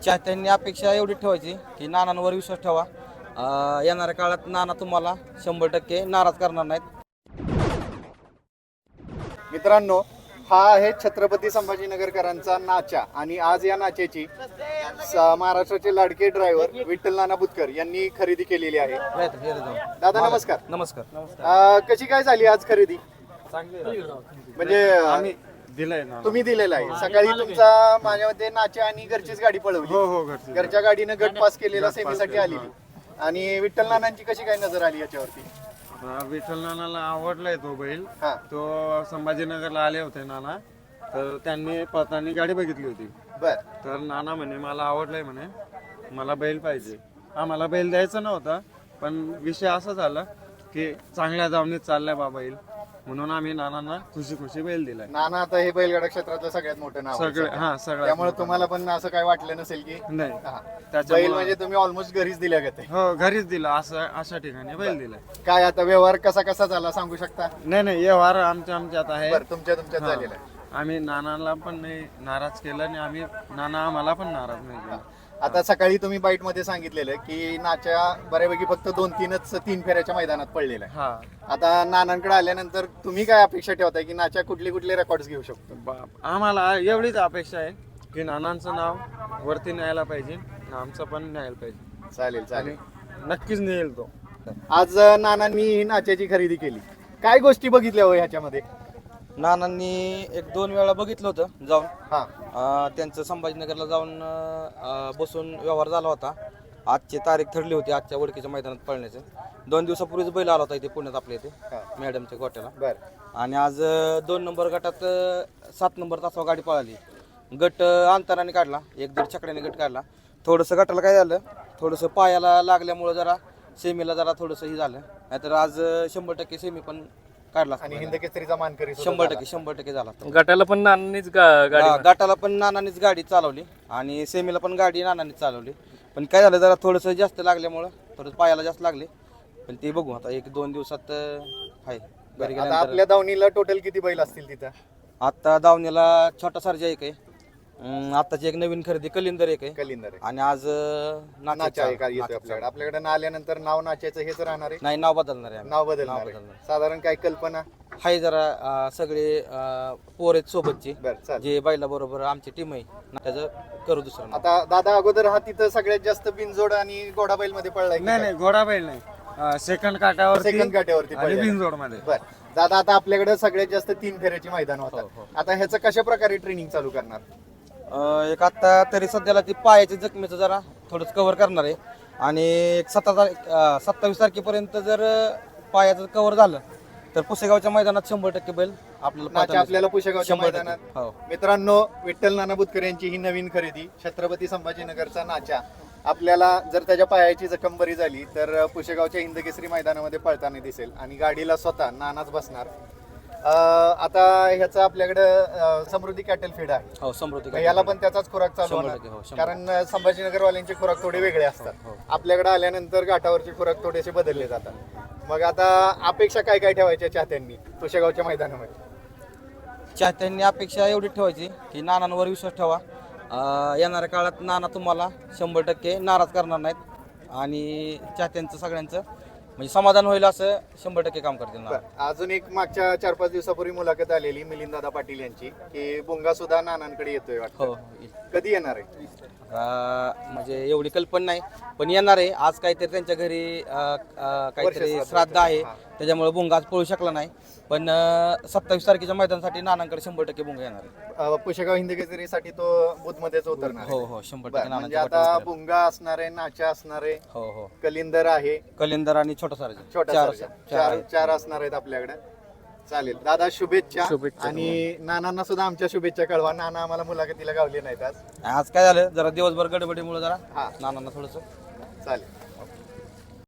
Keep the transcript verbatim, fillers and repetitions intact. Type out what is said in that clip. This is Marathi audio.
चाहत्यांनी अपेक्षा एवढी ठेवायची की नानांवर विश्वास ठेवा. अं, येणाऱ्या काळात नाना तुम्हाला शंभर टक्के नाराज करणार नाहीत. मित्रांनो, हा आहे छत्रपती संभाजीनगरकरांचा नाचा आणि आज या नाचेची स- महाराष्ट्राचे लाडके ड्रायव्हर विठ्ठल नाना बुतकर यांनी खरेदी केलेली आहे. येतं, येतं जाऊ. दादा नमस्कार. नमस्कार. अं, कशी काय झाली आज खरेदी? म्हणजे आम्ही दिलंय ना. तुम्ही दिलेला आहे. सकाळी तुमचा माझ्या मते नाचा आणि घरचीच गाडी पळवली. हो हो घरची. घरच्या गाडीनं गट पास केलेला सेमीसाठी आलेली. आणि विठ्ठल नानांची कशी काय नजर आली याच्यावरती? हा, विठ्ठल नानाला आवडलाय तो बैल. हा. तो संभाजीनगरला आले होते नाना, तर त्यांनी पळताना गाडी बघितली होती. बर तर नाना म्हणे मला आवडलंय म्हणे, मला बैल पाहिजे. आम्हाला बैल द्यायचा नव्हता, पण विषय असा झाला की चांगल्या दावणीत चाललाय बा बैल, म्हणून आम्ही नानांना खुशी खुशी बैल दिलाय. नाना आता हे बैलगाडा क्षेत्रातलं सगळ्यात मोठं नाव आहे. सगळे हा सगळं. त्यामुळे तुम्हाला पण असं काय वाटलं नसेल की नाही हा. बैल त्याच्यामुळे म्हणजे तुम्ही ऑलमोस्ट घरीच दिल्या गते. हो घरीच दिला, असं अशा ठिकाणी बैल दिलाय. काय आता व्यवहार कसा कसा झाला सांगू शकता? नाही नाही व्यवहार आमच्या आमच्यात आहे. बरं, तुमच्या तुमच्यात हा. झालेला आहे. आम्ही नानाला पण नाही नाराज केलं आणि आम्ही नाना आम्हाला पण नाराज नाही केला. आता सकाळी तुम्ही बाईट मध्ये सांगितलेलं की नाच्या बऱ्यापैकी फक्त दोन तीनच तीन फेऱ्याच्या मैदानात पडलेला आहे. हा आता नानांकडे आल्यानंतर तुम्ही काय अपेक्षा ठेवताय की नाच्या कुठले कुठले रेकॉर्ड घेऊ शकतो? बाप आम्हाला एवढीच अपेक्षा आहे की नानांचं नाव वरती न्यायला पाहिजे, आमचं पण न्यायला पाहिजे. चालेल चालेल. आणि नक्कीच नेईल तो. आज नानांनी ही नाच्याची खरेदी केली. काय गोष्टी बघितल्या हो ह्याच्यामध्ये? नानांनी एक दोन वेळा बघितलं होतं जाऊन. हा अं, त्यांचं संभाजीनगरला जाऊन अं, बसून व्यवहार झाला होता. आजची तारीख ठरली होती आजच्या वडकीच्या मैदानात पळण्याचं. दोन दिवसापूर्वीच बैल आला होता इथे पुण्यात आपल्या इथे हा. मॅडमच्या गोट्याला. बर आणि आज अं, दोन नंबर गटात अं, सात नंबर तासावर गाडी पळाली. गट अं, अंतराने काढला, एक दीड चकड्याने गट काढला. थोडंसं गटाला काय झालं, थोडंसं पायाला लागल्यामुळं जरा सेमीला जरा थोडंसं हे झालं. नाहीतर आज अं, शंभर टक्के सेमी पण काढला असता आणि बैलाने. हिंद केसरीचा मानकरी सुद्धा शंभर झाला. टक्के शंभर टक्के झाला असता. गटाला पण नानांनीच गा- गाडी हा, गटाला पण नानांनीच गाडी चालवली आणि सेमीला पण गाडी नानांनीच चालवली. पण काय झालं, जरा थोडंसं जास्त लागल्यामुळं थोडं पायाला जास्त लागले. पण ते बघू आता एक दोन दिवसात अं, आहे घरी आता गेल्यानंतर. आपल्या दावणीला टोटल किती बैल असतील तिथं? आता दावणीला छोटा सारजा एक आहे. अं, आत्ताची एक नवीन खरेदी कलिंदर एक आहे. कलिंदर आहे. आणि आज अं, नाचा नाचा- आहे का येतोय नाचा आपल्याकडे? आपल्याकडे ना आल्यानंतर नाव नाच्याचं हेच राहणार आहे. नाही, नाव बदलणार आहे आम्ही. नाव बदलणार नाव आहे. बदलणार. साधारण काय कल्पना? हाय जरा अं, सगळे अं, पोर आहेत सोबतची, बर चालेल. जे बैला बरोबर आमची टीम आहे. त्याचं करू दुसरं नाव. आता दादा अगोदर हा तिथं सगळ्यात जास्त बिनजोड आणि घोडा बैल मध्ये पडलाय की नाही काय? नाही घोडा बैल नाही, सेकंड काटावर सेकंड काट्यावरती आणि पडलाय. बिनजोड मध्ये. बर दादा, आता आपल्याकडे सगळ्यात जास्त तीन फेऱ्याची मैदान हो, होतात. हो. आता ह्याचं कशा प्रकारे ट्रेनिंग चालू करणार? अं, एक आता तरी सध्याला ती पायाची जखमेचं जरा थोडंच कव्हर करणार आहे. आणि एक सतरा तारीख अं, सत्तावीस तारखेपर्यंत जर अं, पायाचं कव्हर झालं तर पुसेगावच्या मैदानात शंभर टक्के बैल आपल्याला नाचा पाहताना आपल्याला पुशेगावच्या शंभर टक्के. मैदानात. हो. मित्रांनो, विठ्ठल नाना बुतकर यांची ही नवीन खरेदी छत्रपती संभाजीनगरचा नाचा आपल्याला जर त्याच्या पायाची जखम बरी झाली तर पुशेगावच्या हिंदकेसरी मैदानामध्ये पळताना दिसेल आणि गाडीला स्वतः नानाच बसणार. अं, आता ह्याचं आपल्याकडं समृद्धी कॅटल फीड आहे. हो, समृद्धी याला पण त्याचाच खुराक चालू शंभर होणार टक्के, हो, शंभर कारण संभाजीनगरवाल्यांचे खुराक थोडे वेगळे असतात. हो. आपल्याकडे आल्यानंतर घाटावरचे खुराक थोडेसे बदलले जातात. मग आता अपेक्षा काय काय ठेवायच्या चाहत्यांनी पुशेगावच्या मैदानामध्ये? चाहत्यांनी अपेक्षा एवढी ठेवायची की नानांवर विश्वास ठेवा. अं, येणाऱ्या काळात नाना तुम्हाला शंभर टक्के नाराज करणार नाहीत आणि चाहत्यांचं सगळ्यांचं म्हणजे समाधान होईल असं शंभर टक्के काम करतील नाना. बरं, अजून एक मागच्या चार पाच दिवसापूर्वी मुलाखत आलेली मिलिंददादा पाटील यांची की बुंगा सुद्धा नानांकडे येतोय हो, वाटतं. येईल. कधी येणार आहे? अं, म्हणजे एवढी कल्पना नाही, पण येणार आहे. आज काहीतरी त्यांच्या घरी अं, अं, काहीतरी वर्षश्राद्ध श्राद्ध आहे, हा. त्याच्यामुळे भुंगा आज पळू शकला नाही. पण सत्तावीस तारखेच्या मैदानासाठी नानांकडे शंभर टक्के भुंगा येणार आहे. अं, पुशेगाव हिंदकेसरीसाठी तो बुधमध्येच उतरणार हो आहे. हो, शंभर बरं, टक्के म्हणजे नानांच्या आता पाठीवर बुंगा असणार आहे, नाचा असणार आहे, हो हो, कलिंदर आहे, कलिंदर आणि छोटा सारजा छोटा चार सर्जा. चार चार आहेत. चार असणार आहेत आपल्याकडे. चालेल दादा, शुभेच्छा. शुभेच्छा आणि नानांना सुद्धा आमच्या शुभेच्छा कळवा. नाना आम्हाला मुलाखतीला गावले नाहीत आज. आज काय झालं, जरा दिवसभर गडबडीमुळे जरा हा नानांना थोडंसं चालेल.